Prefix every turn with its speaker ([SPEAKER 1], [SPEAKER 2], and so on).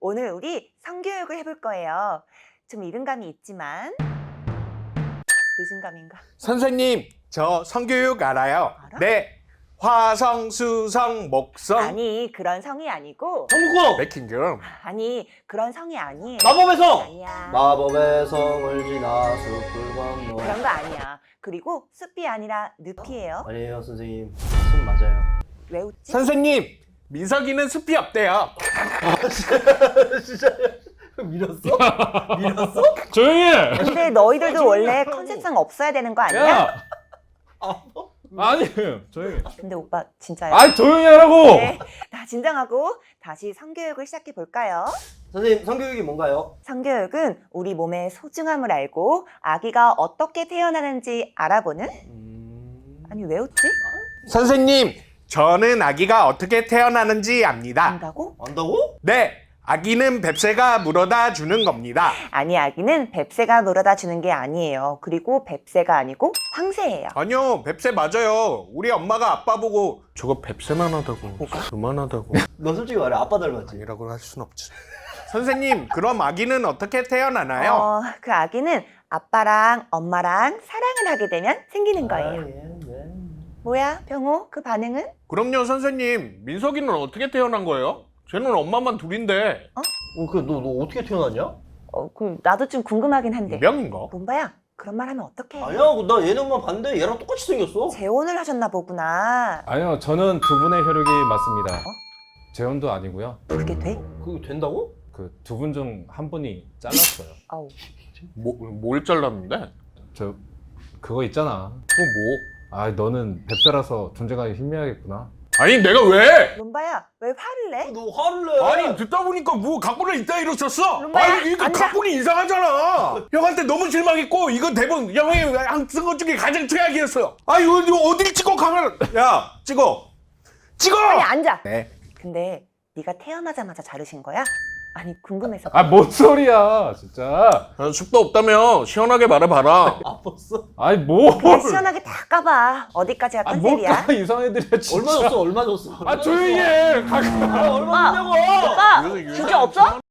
[SPEAKER 1] 오늘 우리 성교육을 해볼 거예요. 좀 이른감이 있지만 늦은 감인가?
[SPEAKER 2] 선생님, 저 성교육 알아요.
[SPEAKER 1] 알아?
[SPEAKER 2] 네. 화성, 수성, 목성.
[SPEAKER 1] 아니 그런 성이 아니고
[SPEAKER 3] 성국어!
[SPEAKER 2] 맥킹금.
[SPEAKER 1] 아니 그런 성이 아니에요.
[SPEAKER 3] 마법의 성!
[SPEAKER 1] 아니야.
[SPEAKER 3] 마법의 성을 지나 숲을 건너.
[SPEAKER 1] 그런 거 아니야. 그리고 숲이 아니라 늪이에요.
[SPEAKER 3] 아니에요 선생님, 숲 맞아요.
[SPEAKER 1] 왜 웃지?
[SPEAKER 2] 선생님, 민석이는 숲이 없대요.
[SPEAKER 3] 진짜요? 밀었어? 밀었어?
[SPEAKER 4] 조용히 해!
[SPEAKER 1] 근데 너희들도 원래 컨셉상 없어야 되는 거 아니야?
[SPEAKER 4] 야!
[SPEAKER 3] 아,
[SPEAKER 4] 아니, 조용히 해.
[SPEAKER 1] 근데 오빠 진짜요?
[SPEAKER 4] 아니, 조용히 하라고!
[SPEAKER 1] 네, 다 진정하고 다시 성교육을 시작해 볼까요?
[SPEAKER 3] 선생님 성교육이 뭔가요?
[SPEAKER 1] 성교육은 우리 몸의 소중함을 알고 아기가 어떻게 태어나는지 알아보는? 아니 왜 웃지?
[SPEAKER 2] 선생님, 저는 아기가 어떻게 태어나는지 압니다.
[SPEAKER 1] 안다고?
[SPEAKER 3] 안다고?
[SPEAKER 2] 네. 아기는 뱁새가 물어다 주는 겁니다.
[SPEAKER 1] 아니 아기는 뱁새가 물어다 주는 게 아니에요. 그리고 뱁새가 아니고 황새예요.
[SPEAKER 2] 아니요, 뱁새 맞아요. 우리 엄마가 아빠 보고 저거 뱁새만 하다고, 그만하다고.
[SPEAKER 3] 너 솔직히 말해, 아빠 닮았지?
[SPEAKER 2] 아니라고 할 순 없지. 선생님, 그럼 아기는 어떻게 태어나나요?
[SPEAKER 1] 그 아기는 아빠랑 엄마랑 사랑을 하게 되면 생기는 거예요.
[SPEAKER 3] 네.
[SPEAKER 1] 뭐야 병호 그 반응은?
[SPEAKER 2] 그럼요, 선생님. 민석이는 어떻게 태어난 거예요? 쟤는 엄마만 둘인데.
[SPEAKER 3] 너 어떻게 태어났냐?
[SPEAKER 1] 그 나도 좀 궁금하긴 한데.
[SPEAKER 2] 이병인가?
[SPEAKER 1] 롬바야 그런 말 하면 어떡해?
[SPEAKER 3] 아니야, 나 얘네 엄마 봤는데 얘랑 똑같이 생겼어.
[SPEAKER 1] 재혼을 하셨나 보구나.
[SPEAKER 4] 아니요, 저는 두 분의 혈육이 맞습니다. 재혼도 아니고요.
[SPEAKER 1] 그게 돼?
[SPEAKER 3] 그게 된다고?
[SPEAKER 4] 그 두 분 중 한 분이 잘랐어요.
[SPEAKER 1] 아우.
[SPEAKER 2] 뭘 잘랐는데?
[SPEAKER 4] 저, 그거 있잖아.
[SPEAKER 2] 그거 뭐?
[SPEAKER 4] 아, 너는 뱁새라서 존재감이 희미하겠구나.
[SPEAKER 2] 아니, 내가 왜?
[SPEAKER 1] 롬바야 왜 화를 내?
[SPEAKER 3] 너 화를 내.
[SPEAKER 2] 아니, 듣다 보니까 뭐 각본을 이따 이뤘었어?
[SPEAKER 1] 롬바야,
[SPEAKER 2] 아니, 이거
[SPEAKER 1] 앉아.
[SPEAKER 2] 각본이 이상하잖아. 형한테 너무 실망했고, 이거 대본 형이 쓴 것 중에 가장 최악이었어요. 아, 이거 어딜 찍어 가면? 야, 찍어.
[SPEAKER 1] 빨리 앉아.
[SPEAKER 2] 네.
[SPEAKER 1] 근데 네가 태어나자마자 자르신 거야? 아니 궁금해서.
[SPEAKER 4] 아, 뭔 소리야, 진짜.
[SPEAKER 2] 숙도 없다며 시원하게 말해봐라.
[SPEAKER 3] 아팠어?
[SPEAKER 4] 아니, 뭐.
[SPEAKER 1] 그냥 시원하게 다 까봐. 어디까지가
[SPEAKER 4] 아, 뭘
[SPEAKER 1] 컨셉이야?
[SPEAKER 4] 까, 이상해들이야, 진짜.
[SPEAKER 3] 얼마 줬어? 얼마 줬어?
[SPEAKER 4] 아, 조용히 해.
[SPEAKER 3] 얼마 줬냐고?
[SPEAKER 1] 오빠 주제 없어?